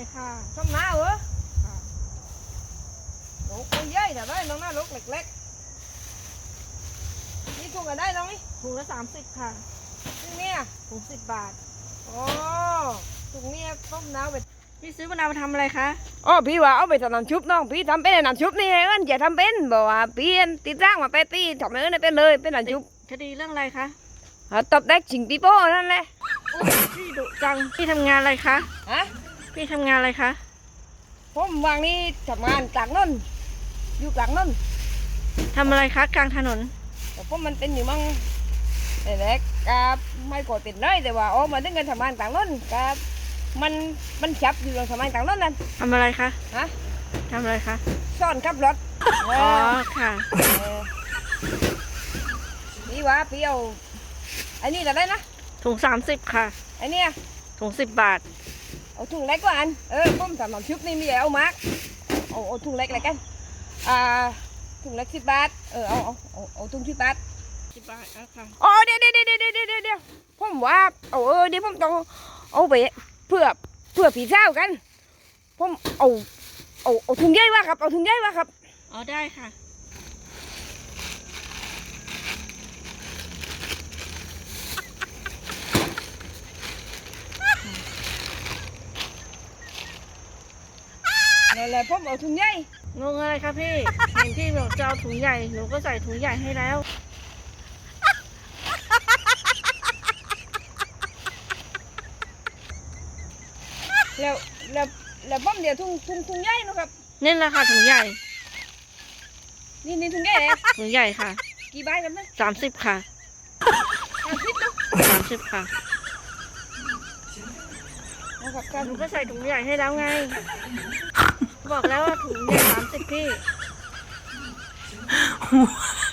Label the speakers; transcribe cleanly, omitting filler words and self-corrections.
Speaker 1: ค่ะ
Speaker 2: ส้มหน้าเหรอ
Speaker 1: ค่ะ
Speaker 2: ลูกไม่ใหญ่แต่ได้น้องหน้าลูกเล็กๆนี่ถุงก็ได้น้องนี่
Speaker 1: ถุงละ30ค่ะ
Speaker 2: ถุงเนี่ย
Speaker 1: ถุง10 บาท
Speaker 2: โอ้ถุงเนี่ยส้มหน้าไป
Speaker 1: พี่ซื้อมะนาวมาทำอะไรคะ
Speaker 2: อ๋อพี่ว่าเอาไปทำน้ำชุบน้องพี่ทำเป็นน้ำชุบนี่ไงมันจะทำเป็นบอกว่าพี่ติดร่างมาไปตีทำเออเนี่ยเป็นเลยเป็นน้ำชุบ
Speaker 1: คดีเรื่องอะไรคะ
Speaker 2: ตบเด็กชิงปีโป้นั่นแหละ
Speaker 1: อุ๊ยพี่ดุจังพี่ทำงานอะไรคะ
Speaker 2: ฮะ
Speaker 1: พี่ทำงานอะไรคะ
Speaker 2: ผมวางนี่ทำงานกลางนนอยู่กลางนน
Speaker 1: ทำอะไรคะกลางถนน
Speaker 2: แต่ผมมันเป็นอยู่มั่งแต่แรกกับไม่กดเป็นเลยแต่ว่าโอ้มาถึงกันทำงานกลางนนกับมันจับอยู่ตรงทำงานกลางนนนั่น
Speaker 1: ทำอะไรคะ
Speaker 2: ฮะ
Speaker 1: ทำอะไรคะ
Speaker 2: ซ่อนขับรถ
Speaker 1: อ๋อค่ะ
Speaker 2: เออพี่ว่าพี่เอาไอ้นี่จะได้นะ
Speaker 1: ถุง30ค่ะ
Speaker 2: ไอ้เนี่ย
Speaker 1: ถุง10 บาท
Speaker 2: เอาถุงเล็กกว่าอันผมทำน้ำชุบนี่มีเอามาร์กเอาถุงเล็กอะไรกันถุงเล็ก10 บาทเอาถุง10 บาท
Speaker 1: 10 บาทค่ะ
Speaker 2: อ๋อเดี๋ยวผมว่าเดี๋ยวผมต้องเอาไปเพื่อผีเศร้ากันผมเอาถุงใหญ่ว่าครับเอาถุงใหญ่ว่าครับ
Speaker 1: อ๋อได้ค่ะ
Speaker 2: นั่นแหละผมเอาถุงใหญ่
Speaker 1: งงอะไรคะพี่ เห็นพี่บอกจะเอาถุงใหญ่หนูก็ใส่ถุงใหญ่ให้แล้ว
Speaker 2: แล้วผมเดี๋ยวถุงใหญ่นะครับ
Speaker 1: นี่แหละค่ะถุงใหญ่
Speaker 2: นี่ถุงใหญ่เลย
Speaker 1: ถุงใหญ่ค่ะ
Speaker 2: กี่ใบกันนะ
Speaker 1: 30ค่ะ
Speaker 2: 30เนาะ
Speaker 1: 30ค่ะ
Speaker 2: นะครับครับ
Speaker 1: หนูก็ใส่ถุงใหญ่ให้แล้วไง บอกแล้วว่าถุงใหญ่30พี่